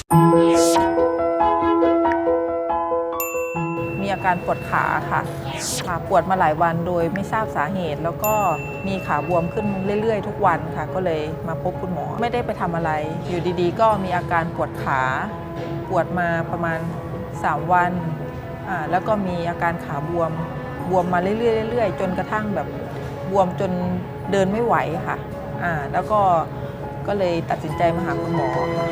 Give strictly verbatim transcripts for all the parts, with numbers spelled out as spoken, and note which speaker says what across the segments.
Speaker 1: มีอาการปวดขาค่ะขาปวดมาหลายวันโดยไม่ทราบสาเหตุ แล้วก็มีขาบวมขึ้นเรื่อยๆทุกวันค่ะก็เลยมาพบคุณหมอไม่ได้ไปทำอะไรอยู่ดีๆก็มีอาการปวดขาปวดมาประมาณสามวันอ่าแล้วก็มีอาการขาบวมบวมมาเรื่อยๆเรื่อยๆจนกระทั่งแบบบวมจนเดินไม่ไหวค่ะอ่าแล้วก็ก็เลยตัดสินใจมาหาคุณหมอ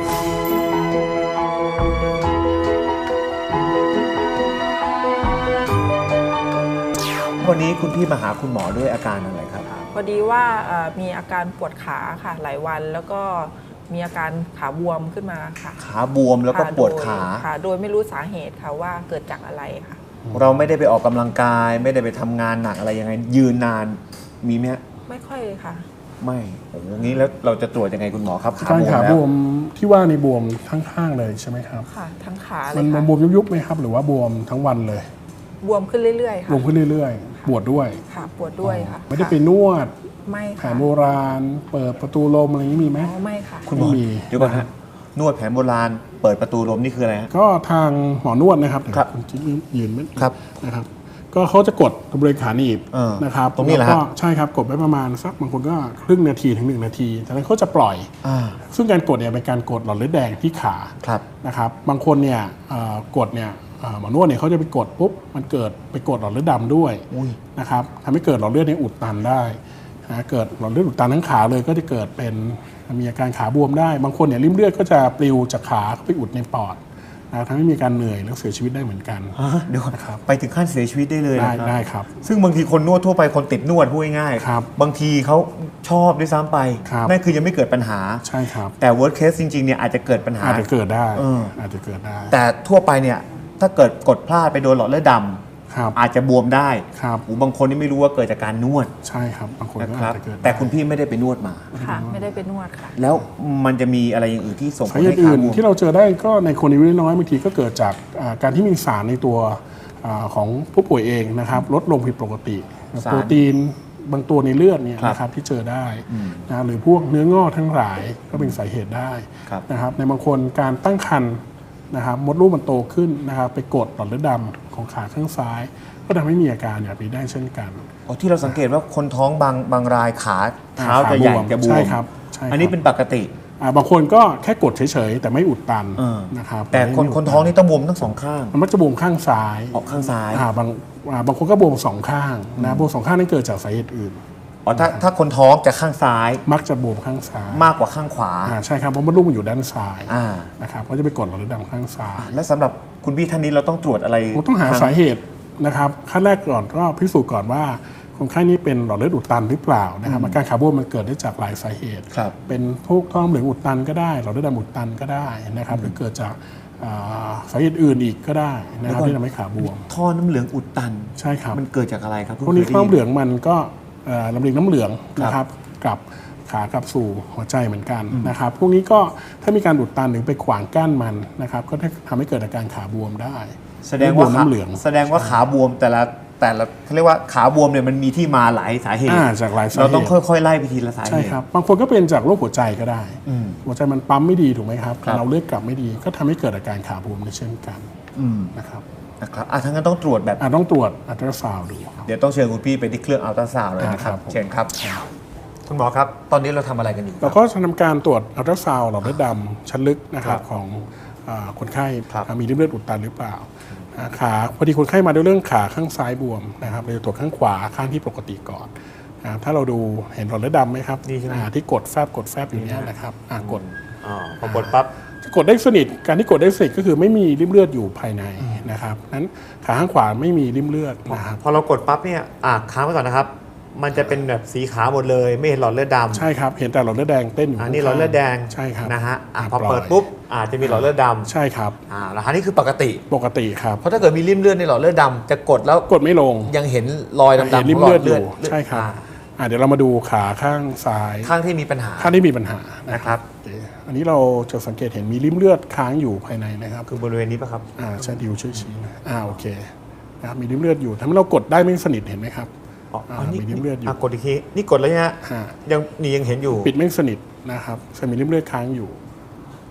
Speaker 2: วันนี้คุณพี่มาหาคุณหมอด้วยอาการอะไรครับ
Speaker 1: พอดีว่ามีอาการปวดขาค่ะหลายวันแล้วก็มีอาการขาบวมขึ้นมาค่ะ
Speaker 2: ขาบวมแล้วก็ปวดขา
Speaker 1: ค่ะโดยไม่รู้สาเหตุค่ะว่าเกิดจากอะไรค่ะ
Speaker 2: เราไม่ได้ไปออกกำลังกายไม่ได้ไปทำงานหนักอะไรยังไงยืนนานมีไหม
Speaker 1: ไม่ค่อยค่ะ
Speaker 2: ไม่โอ้โหงี้แล้วเราจะตรวจยังไงคุณหมอครับ
Speaker 3: ขาบวมขาบวมที่ว่าในบวมข้างๆเลยใช่ไหมครับ
Speaker 1: ค่ะทั้งขาเลย
Speaker 3: มันบวมยุบๆไหมครับหรือว่าบวมทั้งวันเลย
Speaker 1: บวมขึ้นเรื่อยๆค่ะ
Speaker 3: บวมขึ้นเรื่อยๆปวดด้วย
Speaker 1: ค่ะปวดด้วยค่ะ
Speaker 3: ไม่ได้ไปนวด
Speaker 1: ไม่
Speaker 3: แผนโบราณเปิดประตูลมอะไรนี้มีไหม
Speaker 1: ไม่ค่ะ
Speaker 2: คุณหมอเดี๋ยวก่อนฮะนวดแผนโบราณเปิดประตูลมนี่คืออะไรฮะ
Speaker 3: ก็ทางหมอนวดนะครับ
Speaker 2: ครับ
Speaker 3: คุณจิ๊กยืนไหม
Speaker 2: ครับ
Speaker 3: นะครับก็เขาจะกดบริเวณขาหนีบนะครับ
Speaker 2: ตรงนี้แหละครับ
Speaker 3: ใช่ครับกดไว้ประมาณสักบางคนก็ครึ่งนาทีถึงหนึ่งนาทีจากนั้นเขาจะปล่อยซึ่งการกดเนี่ยเป็นการกดหลอดเลือดแดงที่ขานะครับบางคนเนี่ยกดเนี่ยหมอนวดเนี่ยเขาจะไปกดปุ๊บมันเกิดไปกดหลอดเลือดดำด้วยนะครับทำให้เกิดหลอดเลือดในอุดตันได้นะเกิดหลอดเลือดอุดตันทั้งขาเลยก็จะเกิดเป็นมีอาการขาบวมได้บางคนเนี่ยริ่มเลือดก็จะปลิวจากขาไปอุดในปอดนะทำให้มีการเหนื่อยแล้วเสียชีวิตได้เหมือนกัน
Speaker 2: เดี๋ยวนะครับไปถึงขั้นเสียชีวิตได้เลย
Speaker 3: ได้ได้ครับ
Speaker 2: ซึ่งบางทีคนนวดทั่วไปคนติดนวดพูดง่ายๆบางทีเขาชอบด้วยซ้ำไปนั่นคือยังไม่เกิดปัญหา
Speaker 3: ใช่ครับ
Speaker 2: แต่ worst case จริงๆเนี่ยอาจจะเกิดปัญหา
Speaker 3: อาจจะเกิดได้อาจจะเกิดได้
Speaker 2: แต่ทั่วไปเนี่ยถ้าเกิดกดพลาดไปโดนหลอดเลือดดำอาจจะบวมได้
Speaker 3: ครับ
Speaker 2: บางคนนี่ไม่รู้ว่าเกิดจากการนวด
Speaker 3: ใช่ครับบางคนก็อาจจะเกิด
Speaker 2: แต่คุณพี่ไม่ได้ไปนวดมา
Speaker 1: ค่ะไม่ได้ไปนวดค่ะ
Speaker 2: แล้วมันจะมีอะไรอย่างอื่นที่ส่งผลให้
Speaker 3: ขาบวมที่เราเจอได้ก็ในคนอายุน้อยบางทีก็เกิดจากการที่มีสารในตัวของผู้ป่วยเองนะครับลดลงผิดปกติโปรตีนบางตัวในเลือดเนี่ยนะครับที่เจอได้นะหรือพวกเนื้องอกทั้งหลายก็เป็นสาเหตุได้นะครับในบางคนการตั้งครรภ์นะครับมดลูกมันโตขึ้นนะครับไปกดหลอดเลือดดำของขาข้างซ้ายก็ทำให้มีอาการแบบนี้ได้เช่นกัน
Speaker 2: อ๋อที่เราสังเกตว่าคนท้องบางบางรายขาเท้าจะใหญ่จะบวม
Speaker 3: ใช่ครับ
Speaker 2: อันนี้เป็นปกติ
Speaker 3: บางคนก็แค่กดเฉยๆแต่ไม่อุดตันนะครับ
Speaker 2: แต่คนคนท้องนี่ต้องบวมทั้งสองข้าง
Speaker 3: มันจะบวมข้างซ้าย
Speaker 2: ออกข้างซ้าย
Speaker 3: บางบางคนก็บวมสองข้างนะบวมสองข้างนั่นเกิดจากสาเหตุอื่น
Speaker 2: อ๋อถ้าถ้าคนท้องจะข้างซ้าย
Speaker 3: มักจะบวมข้างซ้าย
Speaker 2: มากกว่าข้างขวา
Speaker 3: ใช่ครับเพราะมดลูกมันอยู่ด้านซ้ายนะครับก็จะไปกดหลอดเลือดดำข้างซ้าย
Speaker 2: และสำหรับคุณพี่ท่านนี้เราต้องตรวจอะไร
Speaker 3: เราต้องหาสาเหตุนะครับขั้นแรกก่อนก็พิสูจน์ก่อนว่าคนไข้นี้เป็นหลอดเลือดอุดตันหรือเปล่านะครับอาการขาบวมมันเกิดได้จากหลายสาเหตุเป็นพวกท่อน้ำเหลืองอุดตันก็ได้หลอดเลือดดำอุดตันก็ได้นะครับหรือเกิดจากสาเหตุอื่นอีกก็ได้นะครับที่ทำให้ขาบวม
Speaker 2: ท่อน้ำเหลืองอุดตัน
Speaker 3: ใช่ครับ
Speaker 2: มันเกิดจากอะไรครับ
Speaker 3: พวกนี้ท่อน้ำเหลืองมันก็ลำเลียงน้ำเหลืองนะครับกับขากลับสู่หัวใจเหมือนกันนะครับพวกนี้ก็ถ้ามีการอุดตันหรือไปขวางกั้นมันนะครับก็ทำให้เกิดอาการขาบวมได้
Speaker 2: แสดงว่าน้ำเหลืองแสดงว่าขาบวมแต่ละแต่ละเขาเรียกว่าขาบวมเนี่ยมันมีที่มาหลายสาเหตุ
Speaker 3: จากหลายสาเหตุ
Speaker 2: เราต้องค่อยๆไล่ไปทีละสาเหตุ
Speaker 3: ใช่ครับบางคนก็เป็นจากโรคหัวใจก็ได้หัวใจมันปั๊มไม่ดีถูกไหมครับเราเลือดกลับไม่ดีก็ทำให้เกิดอาการขาบวมในเช่นกันนะครับ
Speaker 2: นะครับอ่ะทั้งนั้นต้องตรวจแบบ
Speaker 3: ต้องตรวจอัลตราซาวด์ดู
Speaker 2: เดี๋ยวต้องเชิญคุณพี่ไปที่เครื่องอัลตราซาวด์เลยนะครับเชิญครับคุณหมอครับตอนนี้เราทำอะไรกันอยู่
Speaker 3: เราก็จะทำการตรวจอัลตราซาวด์หลอดเลือดดำชั้นลึกนะครับของคนไข้มีริ่มเลือดอุดตันหรือเปล่าขาพอดีคนไข้มาด้วยเรื่องขาข้างซ้ายบวมนะครับเราจะตรวจข้างขวาข้างที่ปกติก่อนถ้าเราดูเห็นหลอดเลือดดำไหมครับ
Speaker 2: นี่ใช่ไหม
Speaker 3: ที่กดแฟบกดแฟบอยู่นี้นะครับกด
Speaker 2: พอกดปั๊บ
Speaker 3: กดได้สนิทการที่กดได้สนิทก็คือไม่มีริ่มเลือดอยู่ภายในนะครับนั้นขาข้างขวาไม่มีริ่มเลือดนะครับ
Speaker 2: พอเรากดปั๊บเนี่ยอ่ะค้างไว้ก่อนนะครับมันจะเป็นแบบสีขาวหมดเลยไม่เห็นหลอดเลือดดำ
Speaker 3: ใช่ครับเห็นแต่หลอดเลือดแดงเต้นอยู่
Speaker 2: อันนี้หลอดเลือดแดง
Speaker 3: ใช่ครับ
Speaker 2: นะฮะพอเปิดปุ๊บอาจจะมีหลอดเลือดดำ
Speaker 3: ใช่ครับ
Speaker 2: อ่าแล้วอันนี้คือปกติ
Speaker 3: ปกติครับ
Speaker 2: เพราะถ้าเกิดมีริ่มเลือดในหลอดเลือดดำจะกดแล้ว
Speaker 3: กดไม่ลง
Speaker 2: ยังเห็นรอยดำๆ
Speaker 3: ริ่มเลือดอยู่ใช่ครับเดี๋ยวเรามาดูขาข้างซ้าย
Speaker 2: ข้างที่มีปัญหา
Speaker 3: ข้างที่มีปัญหา
Speaker 2: นะครับ
Speaker 3: อันนี้เราจะสังเกตเห็นมีริ่มเลือดค้างอยู่ภายในนะครับ
Speaker 2: คือบริเวณนี้ป่ะครับ
Speaker 3: อ่าใช่ดิวช่วยชี้นะอ่าโอเคนะครับมีริ่มเลือดอยู่ทำให้เรากดได้ไม่สนิทเห็นไหมครับ
Speaker 2: อ๋อมีริ่มเลือดอยู่กดอีกทีนี่กดแล้วเนี่ยยังนี่ยังเห็นอยู่
Speaker 3: ปิดไม่สนิทนะครับมีริ่มเลือดค้างอยู่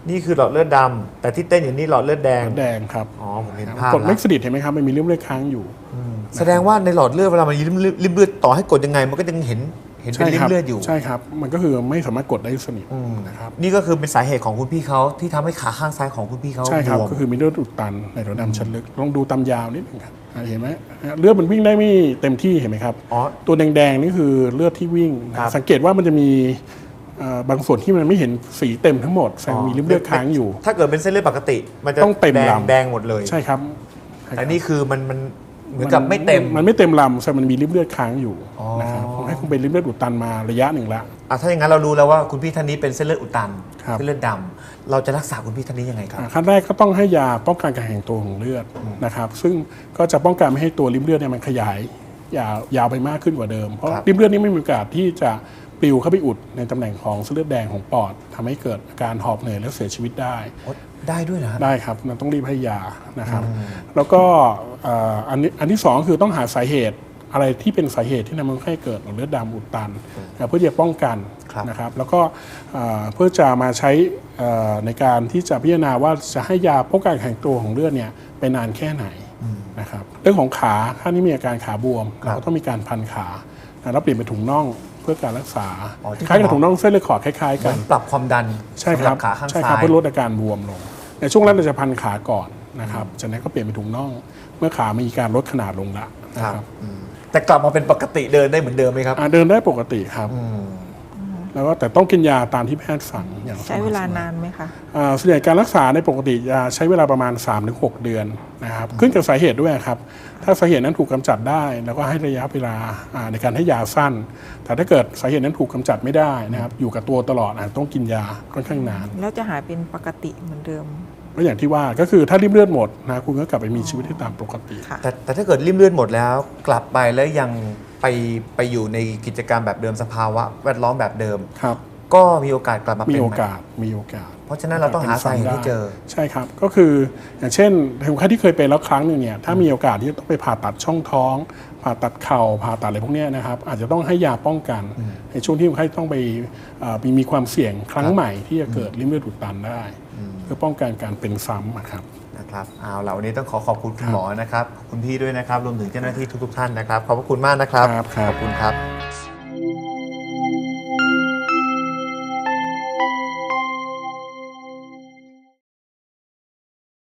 Speaker 2: นี่คือหลอดเลือดดำแต่ที่เต้นอยู่นี่หลอดเลือดแดง
Speaker 3: แดงครับ
Speaker 2: อ๋อผมเห็นภาพ
Speaker 3: กด
Speaker 2: แล้ว
Speaker 3: เม็กซิดิดเห็นไหมครับมันมีริ่มเลือดค้างอยู่
Speaker 2: แสดงว่าในหลอดเลือดเวลามันริมริมเลือดต่อให้กดยังไง มันก็ยังเห็นเห็นเป็นริมเลือดอยู่
Speaker 3: ใช่ครับมันก็คือไม่สามารถกดได้สนิทนะครับ
Speaker 2: นี่ก็คือเป็นสาเหตุของคุณพี่เขาที่ทำให้ขาข้างซ้ายของคุณพี่เขา
Speaker 3: ใช่ครับ
Speaker 2: บวม
Speaker 3: ก็คือมีเลือดอุดตันในหลอดดำชั้นลึกลองดูตามยาวนิดนึงครับอ่าเห็นไหมเลือดมันวิ่งได้ไม่เต็มที่เห็นไหมครับ
Speaker 2: อ๋อ
Speaker 3: ตัวแดงๆนี่คือเลือดที่วิ่ง
Speaker 2: ครับ
Speaker 3: สังเกตว่ามันจะมีเอ่อบางส่วนที่มันไม่เห็นสีเต็มทั้งหมดแสดงมีริ่มเลือดค้างอยู่
Speaker 2: ถ้าเกิดเป็นเส้นเลือดปกติ มันจะ
Speaker 3: ต้องเต็ม
Speaker 2: แดง
Speaker 3: ลำ
Speaker 2: แดงหมดเลย
Speaker 3: ใช่ครับ
Speaker 2: แต่นี่คือมันมันเหมือนกับไม่เต็ม
Speaker 3: มันไม่เต็มลำแสดงมันมีริ่มเลือดค้างอยู่
Speaker 2: อ๋อ
Speaker 3: นะครับให้คุณเป็นริ่มเลือดอุดตันมาระยะหนึ่งละ
Speaker 2: อ่ะถ้าอย่างนั้นเรารู้แล้วว่าคุณพี่ท่านนี้เป็นเส้นเลือดอุดตัน
Speaker 3: ครับ
Speaker 2: เส้นเลือดดำเราจะรักษาคุณพี่ท่านนี้ยังไงครับ
Speaker 3: อ่าขั้นแรกก็ต้องให้ยาป้องกันการแข็งตัวของเลือดนะครับซึ่งก็จะป้องกันไม่ให้ตัวริ่มเลือดเนี่ยมันขยายยาวยาวไปมากขึ้นกว่าเดิมเพราะ
Speaker 2: ครับ
Speaker 3: ริ่มเลือดนี่ไม่มีโอกาสที่จะปลิวเข้าไปอุดในตำแหน่งของเส้นเลือดแดงของปอดทำให้เกิดอาการหอบเหนื่อยและเสียชีวิตได้
Speaker 2: โอ๊ยได้ด้วยนะ
Speaker 3: ได้ครับมันต้องรีบให้ยานะครับ แล้วก็เอ่ออันนี้อันที่สองคือต้องหาสาเหตุอะไรที่เป็นสาเหตุที่ทำให้เกิดหลอดเลือดดำอุดตันนะเพื่อจะป้องกัน
Speaker 2: ครับ
Speaker 3: นะครับ แล้วก็เอ่อเพื่อจะมาใช้เอ่อในการที่จะพิจารณาว่าจะให้ยาป้องกันการแข็งตัวของเลือดเนี่ยไปนานแค่ไหนนะครับเรื่องของขาถ้านี่มีอาการขาบวม
Speaker 2: ครับ
Speaker 3: เราก็ต้องมีการพันขานะแล้วเปลี่ยนเป็นถุงน่องเพื่อการรักษา
Speaker 2: อ๋อที่
Speaker 3: คล้ายกับ
Speaker 2: คุณหมอ
Speaker 3: ถุงน่องเส้นเลือดขอดคล้ายๆ
Speaker 2: เห
Speaker 3: กั
Speaker 2: มือน นปรับความดัน
Speaker 3: ใช่ค
Speaker 2: สำห
Speaker 3: รั
Speaker 2: รับ ขาข้าง
Speaker 3: ใช่ค
Speaker 2: ซ้า
Speaker 3: รับ
Speaker 2: ย
Speaker 3: เพื่อลดอาการบวมลง ในช่วงแรกเราจะพันขาก่อนนะครับจากนั้นก็เปลี่ยนเป็นถุงน่อง เมื่อขามีการลดขนาดลงละนะ
Speaker 2: ค
Speaker 3: ค
Speaker 2: รั
Speaker 3: รั
Speaker 2: บบ อืมแต่กลับมาเป็นปกติเดินได้เหมือนเดิมไหมครับ
Speaker 3: อ่าเดินได้ปกติครับ
Speaker 2: อืม
Speaker 3: แล้วก็แต่ต้องกินยาตามที่แพทย์สั่งอย่าง
Speaker 1: ใช้เวลานานไหมคะ
Speaker 3: อ่าส่วนใหญ่การรักษาในปกติจะใช้เวลาประมาณ สามถึงหก เดือนนะครับขึ้นกับสาเหตุด้วยครับถ้าสาเหตุนั้นถูกกำจัดได้แล้วก็ให้ระยะเวลาอ่าในการให้ยาสั้น แต่ถ้าเกิดสาเหตุนั้นถูกกำจัดไม่ได้นะครับอยู่กับตัวตลอดอาจต้องกินยาค่อนข้างนาน
Speaker 1: แล้วจะหายเป็นปกติเหมือนเดิม
Speaker 3: ก็อย่างที่ว่าก็คือถ้าริ่มเลือดหมดนะคุณก็กลับไปมีชีวิตที่ตามปกติ
Speaker 1: ค่ะ
Speaker 2: แต่แต่ถ้าเกิดริ่มเลือดหมดแล้ว กลับไปแล้วยังไปไปอยู่ในกิจกรรมแบบเดิมสภาวะแวดล้อมแบบเดิม
Speaker 3: ครับ
Speaker 2: ก็มีโอกาสกลับมา
Speaker 3: มี
Speaker 2: เป็น
Speaker 3: โอ
Speaker 2: ใหม่
Speaker 3: กาสมีโอกาส
Speaker 2: เพราะฉะนั้นเราต้องหาสาเหตุให้เจอ
Speaker 3: ใช่ครับก็คืออย่างเช่นคนไข้ที่เคยเป็นแล้วครั้งหนึ่งเนี่ยถ้ามีโอกาสที่จะต้องไปผ่าตัดช่องท้อง ผ่าตัดเข่าผ่าตัดอะไรพวกเนี้ยนะครับอาจจะต้องให้ยาป้องกัน ในช่วงที่คนไข้ต้องไปเอ่อมีมีความเสี่ยงครั้งใหม่ที่จะเกิดริ่มเลือดอุดตันได้ เพื่อป้องกันการเป็นซ้ำอะครับ
Speaker 2: นะครับเอาล่ะวันนี้ต้องขอขอบคุณคุณหมอนะครับ คุณพี่ด้วยนะครับ รวมถึงเจ้าหน้าที่ทุกๆท่านนะครับ ขอบพระคุณมากนะครับ
Speaker 3: ครับครับ
Speaker 2: ขอบคุณครับ